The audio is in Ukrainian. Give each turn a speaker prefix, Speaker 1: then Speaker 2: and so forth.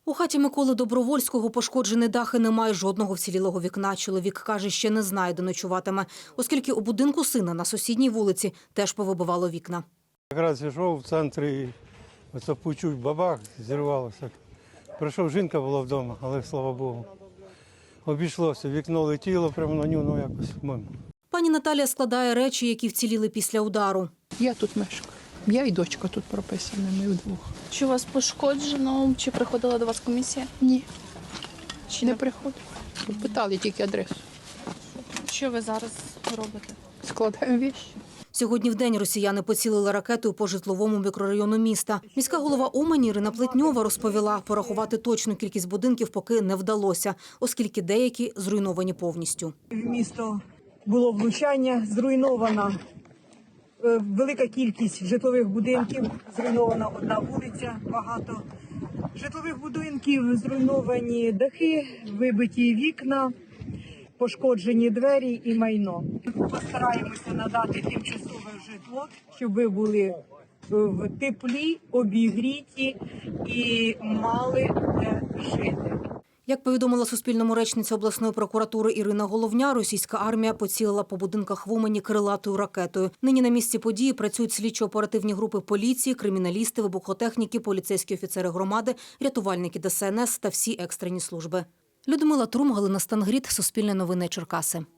Speaker 1: У хаті Миколи Добровольського пошкоджений дах і немає жодного вцілілого вікна. Чоловік каже, ще не знає, де ночуватиме, оскільки у будинку сина на сусідній вулиці теж повибивало вікна.
Speaker 2: Якраз йшов в центрі і оце почув бабах, зірвалося. Прийшов, жінка була вдома, але слава Богу. Обійшлося, вікно летіло прямо на нього, якось мимо.
Speaker 1: Пані Наталія складає речі, які вціліли після удару.
Speaker 3: Я тут мешкаю. Я і дочка тут прописана, ми вдвох.
Speaker 4: Чи у вас пошкоджено, чи приходила до вас комісія?
Speaker 3: Ні,
Speaker 4: Чи
Speaker 3: не приходить. Питали тільки адресу.
Speaker 4: Що ви зараз робите?
Speaker 3: Складаємо віші.
Speaker 1: Сьогодні вдень росіяни поцілили ракетою по житловому мікрорайону міста. Міська голова Умані Ірина Плетньова розповіла, порахувати точну кількість будинків поки не вдалося, оскільки деякі зруйновані повністю.
Speaker 5: В місто було влучання, зруйнована велика кількість житлових будинків, зруйнована одна вулиця, багато житлових будинків, зруйновані дахи, вибиті вікна, пошкоджені двері і майно. Постараємося надати тимчасове житло, щоб ви були в теплі, обігріті і мали де жити.
Speaker 1: Як повідомила Суспільному речниця обласної прокуратури Ірина Головня, російська армія поцілила по будинках в Умані крилатою ракетою. Нині на місці події працюють слідчо-оперативні групи поліції, криміналісти, вибухотехніки, поліцейські офіцери громади, рятувальники ДСНС та всі екстрені служби. Людмила Трум, Галина Стангріт, Суспільне новини, Черкаси.